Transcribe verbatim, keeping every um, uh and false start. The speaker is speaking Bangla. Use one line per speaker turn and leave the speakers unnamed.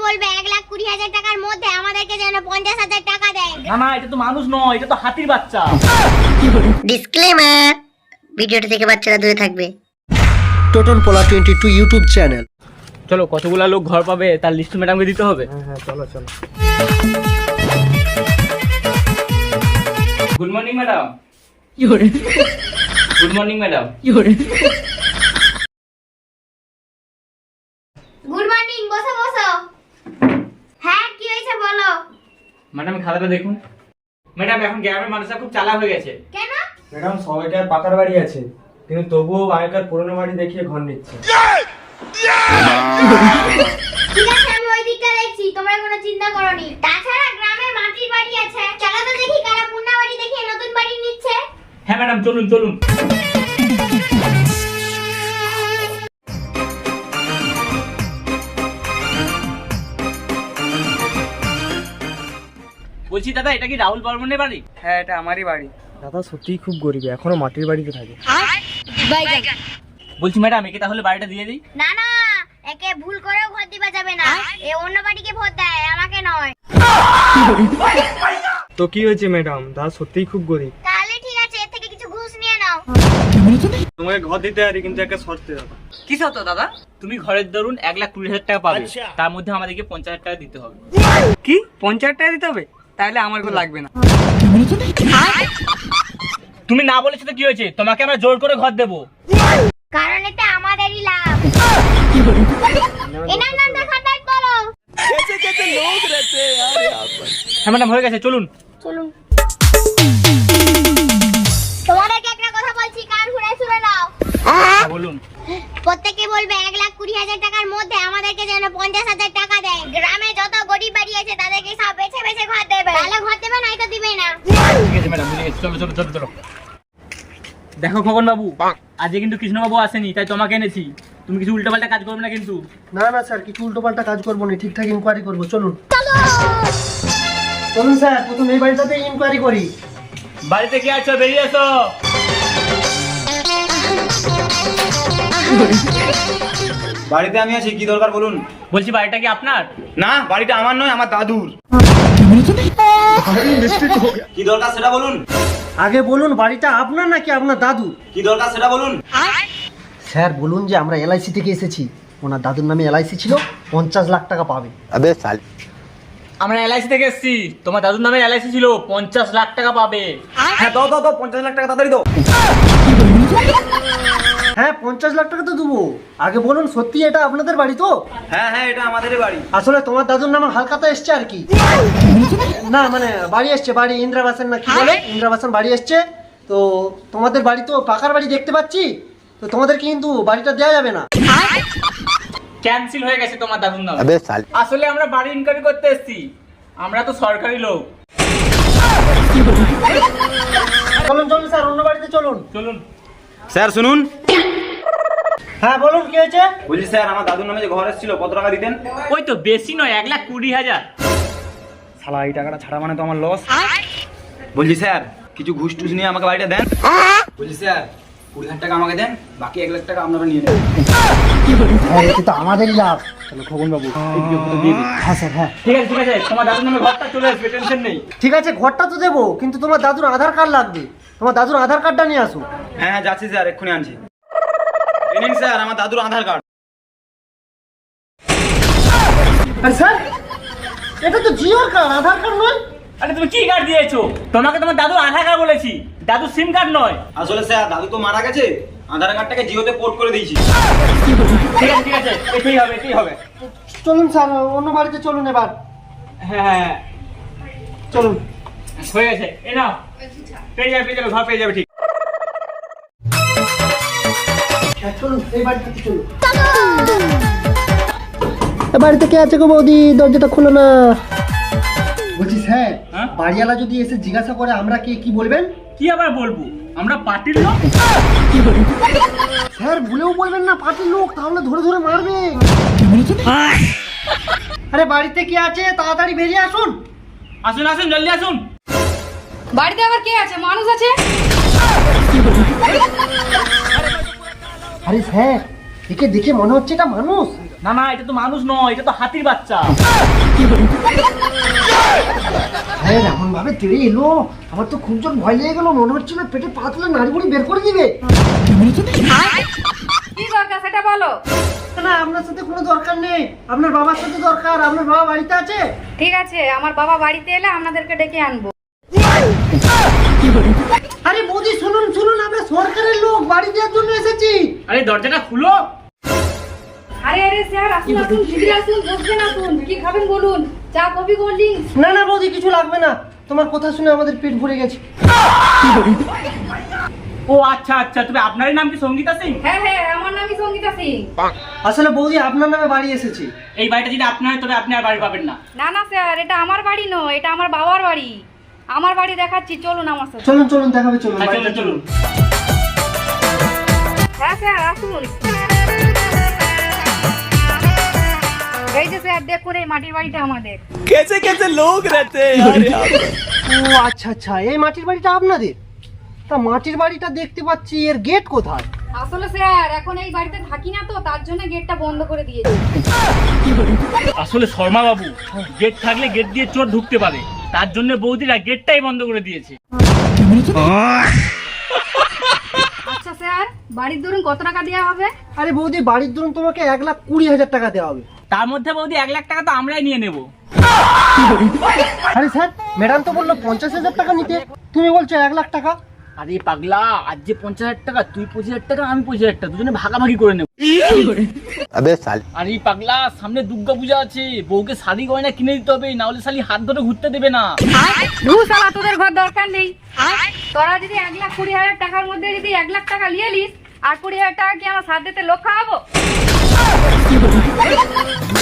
বলবে এক লাখ কুড়ি হাজার টাকার মধ্যে আমাদেরকে যেন পঞ্চাশ হাজার টাকা দেয়।
না না, এটা তো মানুষ নয়, এটা তো হাতির বাচ্চা।
ডিসক্লেমার, ভিডিওটা থেকে বাচ্চারা দূরে থাকবে।
টোটন পোলা টোয়েন্টি টু ইউটিউব চ্যানেল।
চলো, কতগুলা লোক ঘর পাবে তার লিস্ট ম্যাডামকে দিতে হবে।
হ্যাঁ হ্যাঁ, চলো চলো।
Good morning madam. Good morning madam.
Good morning, বসো বসো। হ্যাঁ, কি হয়েছে বলো।
ম্যাডাম খাতাটা দেখুন। ম্যাডাম, এখন গ্রামের মানুষরা খুব চালাক হয়ে গেছে।
কেন?
ম্যাডাম, সবাইকার পাকার বাড়ি আছে, কিন্তু তবুও আগেকার পুরনো বাড়ি দেখিয়ে ঘর নিচ্ছে।
ঠিক আছে, আমি ওই দিকটা দেখছি, তোমরা কোনো চিন্তা করোনি। তাছাড়া গ্রামে মাটির বাড়ি আছে, চলো তো দেখি কারা পুরনো বাড়ি দেখিয়ে নতুন বাড়ি নিচ্ছে।
হ্যাঁ ম্যাডাম, চলুন চলুন। বলছি দাদা, এটা কি রাহুল বর্মনের বাড়ি?
হ্যাঁ, এটা আমারই বাড়ি। দাদা সত্যিই খুব গরিব, এখনো মাটির বাড়িতে থাকে।
বলছি ম্যাডাম, একে তাহলে বাড়িটা দিয়ে দিই।
না না, একে ভুল করেও ভোট দিবা যাবে না। এ অন্য বাড়িকে ভোট দেয়, আমাকে নয়।
তো কি হয়েছে ম্যাডাম, দাদা সত্যিই খুব গরিব।
তাহলে ঠিক আছে, এর থেকে কিছু ঘুষ নিয়ে নাও।
তোমাকে ঘর দিতে পারি, কিন্তু একটা শর্তে দাদা।
কি শর্ত দাদা? তুমি ঘরের ধরুন এক লাখ কুড়ি হাজার টাকা পাবে, তার মধ্যে আমাদেরকে পঞ্চাশ হাজার টাকা দিতে হবে।
কি পঞ্চাশ টাকা দিতে হবে? তাহলে আমার কোনো লাগবে না।
তুমি না বলেছো তো কি হয়েছে, তোমাকে আমরা জোর করে ঘর দেবো।
কারণ এতে আমাদেরই লাভ। এনার নামটা খাতায় তোলো।
হ্যাঁ ম্যাডাম, হয়ে গেছে, চলুন
চলুন। তোমাদেরকে একটা কথা বলছি, কান ঘুরে শুনে নাও।
হ্যাঁ, বলুন।
প্রত্যেকে বলবে এক লাখ কুড়ি হাজার টাকার মধ্যে আমাদেরকে যেন পঞ্চাশ হাজার টাকা দেয়। গ্রামে যত গরিব বাড়ি আছে তাদেরকে সব বেছে বেছে ঘর দেবে। তাহলে ঘর দেবে, নয়তো দিবে না।
ঠিক আছে ম্যাডাম, বুঝে গেছি। চলো চলো চলো চলো। দেখো খোকন বাবু, আজকে কিন্তু কৃষ্ণবাবু আসেনি, তাই তোমাকে এনেছি। তুমি কিছু উল্টোপাল্টা কাজ করবে না কিন্তু।
না না স্যার, কিছু উল্টোপাল্টা কাজ করবো না, ঠিকঠাক ইনকোয়ারি করবো। চলুন চলুন স্যার, প্রথম এই বাড়িটাতে ইনকোয়ারি করি।
বাড়িতে কি আছো? বেরিয়ে এসো।
বাড়িতে আমি আছি, কি দরকার বলুন।
বলছি বাড়িটা কি আপনার?
না, বাড়িটা আমার নয়, আমার দাদুর। কি দরকার সেটা বলুন।
আগে বলুন, বাড়িটা আপনার নাকি আপনার দাদু?
কি দরকার সেটা বলুন।
স্যার বলুন যে আমরা এলআইসি থেকে এসেছি, ওনার দাদুর নামে এলআইসি ছিল, পঞ্চাশ লাখ টাকা পাবে।
আমরা এলআইসি থেকে এসেছি, তোমার দাদুর নামে এলআইসি ছিল, পঞ্চাশ লাখ টাকা পাবে।
হ্যাঁ, দাও দাও দাও, পঞ্চাশ লাখ টাকা তাড়াতাড়ি দাও।
হ্যাঁ, পঞ্চাশ লাখ টাকা তো দেবো। আগে বলুন, সত্যি এটা আপনাদের বাড়ি তো?
হ্যাঁ হ্যাঁ, এটা আমাদেরই বাড়ি।
আসলে তোমার দাদুর নামে হালকাতা এসছে আর কি। না মানে বাড়ি এসছে, বাড়ি ইন্দ্রাবাসন না কি বলে, ইন্দ্রাবাসন বাড়ি এসছে। তো তোমাদের বাড়ি তো পাকার বাড়ি দেখতে পাচ্ছি, তো তোমাদেরকে কিন্তু বাড়িটা দেওয়া যাবে না।
ক্যান্সেল হয়ে গেছে তোমার দাদুর নামে। আসলে আমরা বাড়ি ইনকোয়ারি করতে এসেছি, আমরা তো সরকারি লোক।
চলুন চলুন স্যার, অন্য বাড়িতে চলুন।
চলুন।
স্যার শুনুন।
হ্যাঁ বলুন, কি হয়েছে?
বলছি স্যার, আমার দাদুর নামে যে ঘর এসেছিল, কত টাকা দিতেন?
ওই তো বেশি নয়, এক লাখ কুড়ি হাজার।
শালা, এই টাকাটা ছাড়া মানে তো আমার লস। বলছি স্যার, কিছু ঘুষ টুস নিয়ে আমাকে বাড়িটা দেন। বলছি স্যার, কুড়ি হাজার টাকা আমাকে দেন, বাকি এক লাখ টাকা আপনারা নিয়ে নেন।
হ্যাঁ, এটা তো আমাদেরই লাভ।
চলো খোকন বাবু, এই বিজ্ঞপ্তিটা দিয়ে দিই।
হ্যাঁ স্যার, হ্যাঁ
ঠিক আছে ঠিক আছে, তোমার দাদুর নামে ঘরটা চলে আসবে, টেনশন নেই।
ঠিক আছে, ঘরটা তো দেবো, কিন্তু তোমার দাদুর আধার কার্ড লাগবে। তোমার দাদুর আধার কার্ডটা নিয়ে আসো।
হ্যাঁ হ্যাঁ, যাচ্ছি স্যার, এক্ষুনি আনছি। এই নিন স্যার, আমার দাদুর আধার কার্ড।
আরে স্যার, এটা তো জিওর কার্ড, আধার কার্ড নয়।
আরে তুমি কি কার্ড দিয়েছো? তোমাকে তোমার দাদুর আধার কার্ড বলেছি, দাদুর সিম কার্ড নয়।
আসলে স্যার, দাদু তো মারা গেছে, আধার কার্ডটাকে জিওতে পোর্ট করে দিয়েছি।
ঠিক আছে ঠিক আছে, এটাই হবে এটাই হবে।
চলুন স্যার, অন্য বাড়িতে চলুন এবার।
হ্যাঁ হ্যাঁ,
চলুন।
হয়ে গেছে, এ নাও, পেয়ে যাবে পেয়ে যাবে, ঘর পেয়ে যাবে। ঠিক
হ্যাঁ, চলুন, এই বাড়িটাতে চলুন। বাড়িতে কে আছে গো বৌদি? দরজাটা খুলো না। বলছি স্যার,
হ্যাঁ?
বাড়িওয়ালা যদি এসে জিজ্ঞাসা করে আমরা কে, কি বলবেন?
কি আবার বলবো, আমরা পার্টির লোক।
স্যার ভুলেও বলবেন না পার্টির লোক, তাহলে ধরে ধরে মারবে। আরে বাড়িতে কে আছে, তাড়াতাড়ি বেরিয়ে আসুন।
আসুন আসুন, জলদি আসুন।
বাড়িতে আবার কে আছে? মানুষ আছে?
আরে স্যার, একে দেখে মনে হচ্ছে এটা মানুষ।
না না, এটা তো মানুষ নয়, এটা তো হাতির বাচ্চা।
হ্যাঁ এমন ভাবে তেড়ে এলো, আমার তো খুব জোর ভয় লেগে গেল, মনে হচ্ছিল পেটে পা তুলে নাড়িগুড়ি বের করে দিবে।
কি দরকার সেটা বলো।
না আপনার সাথে কোনো দরকার নেই, আপনার বাবার সাথে দরকার। আপনার বাবা বাড়িতে আছে?
ঠিক আছে, আমার বাবা বাড়িতে এলে আপনাদেরকে ডেকে আনবো।
আরে বৌদি শুনুন শুনুন, আমরা সরকারের লোক, বাড়ি দেওয়ার জন্য এসেছি।
আরে দরজাটা খুলো।
আরে আরে স্যার আসুন আসুন, ভিতরে আসুন, বসবেন আসুন, কি খাবেন বলুন, চা কফি কোল্ড ড্রিঙ্কস?
না না বৌদি কিছু লাগবে না, তোমার কথা শুনে আমাদের পেট ভরে গেছে।
ও আচ্ছা আচ্ছা, তবে আপনারই নাম কি সঙ্গীতা সিং?
হ্যাঁ হ্যাঁ, আমার নামই সঙ্গীতা সিং।
আসলে বৌদি আপনার নামে বাড়ি এসেছি।
এই বাড়িটা যদি আপনার হয় তবে আপনি আর বাড়ি পাবেন না।
না না স্যার, এটা আমার বাড়ি নয়, এটা আমার বাবার বাড়ি। আমার বাড়ি দেখাচ্ছি, চলুন আমার সাথে।
চলুন চলুন দেখাবে, চলুন
হ্যাঁ,
বাড়িতে
চলুন চলুন।
হ্যাঁ স্যার আসুন। এই যে স্যার দেখুন, এই মাটির বাড়িটা আমাদের।
ও আচ্ছা আচ্ছা, এই মাটির বাড়িটা আপনাদের? তা মাটির বাড়িটা দেখতে পাচ্ছি, এর গেট কোথায়?
আসলে স্যার এখন এই বাড়িতে থাকি না তো, তার জন্য গেটটা বন্ধ করে দিয়েছি।
আসলে শর্মা বাবু, গেট থাকলে গেট দিয়ে চোর ঢুকতে পারে, তার জন্য বৌদিরা গেটটাই বন্ধ করে দিয়েছে।
আচ্ছা স্যার, বাড়ির ধরুন কত টাকা দেওয়া হবে?
আরে বৌদি বাড়ির ধরুন তোমাকে এক লাখ কুড়ি হাজার টাকা দেওয়া হবে।
তার মধ্যে বৌদি এক লাখ টাকা তো আমরাই নিয়ে নেব।
আরে স্যার, ম্যাডাম তো বললো পঞ্চাশ হাজার টাকা নিতে, তুমি বলছো এক লাখ টাকা?
আরে পাগলা, আজ যে পঞ্চাশ হাজার টাকা, তুই পঁচিশ হাজার টাকা আমি পঁচিশ হাজার টাকা, দুজনে ভাগাভাগি করে নেব। আরে পাগলা, সামনে দুর্গা পূজা আছে, বউকে শাড়ি গয়না কিনে দিতে হবে, না হলে শালি হাত ধরে ঘুরতে দেবে না।
ধু শালা, তোদের ঘর দরকার নেই। তোরা যদি এক লাখ কুড়ি হাজার টাকার মধ্যে যদি এক লাখ টাকা নিয়ে নিস, আর কুড়ি হাজার টাকা কি আমার সাথে লোক খাওয়াবো?